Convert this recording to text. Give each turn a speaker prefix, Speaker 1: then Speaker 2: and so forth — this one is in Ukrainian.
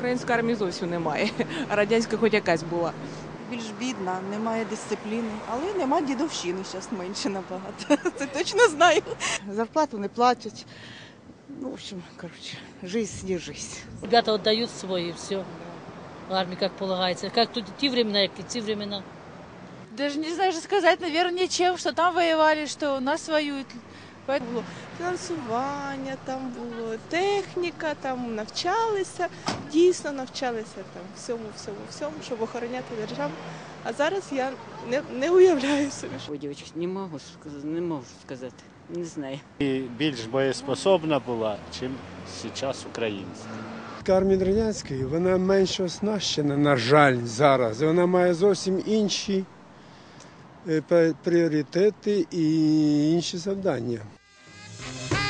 Speaker 1: української армії зовсім немає, а радянська хоч якась була.
Speaker 2: Більш бідна, немає дисципліни, але нема дідовщини, зараз менше набагато. Це точно знаю.
Speaker 3: Зарплату не платять. Ну, в общем, короче, жизнь не жизнь.
Speaker 4: Ребята отдают свой, и все. В армии, как полагается. Как тут те времена, как и те времена.
Speaker 5: Даже не знаю, что сказать, наверное, ничем, что там воевали, что у нас воюют.
Speaker 6: Було фінансування, там було техніка, там навчалися, дійсно навчалися там всьому, щоб охороняти державу. А зараз я не уявляю собі.
Speaker 7: Ой, дівчатки, не можу сказати, не знаю.
Speaker 8: І більш боєспособна була, ніж зараз українська.
Speaker 9: Армія радянської, вона менш оснащена, на жаль, зараз. Вона має зовсім інші пріоритети і інші завдання.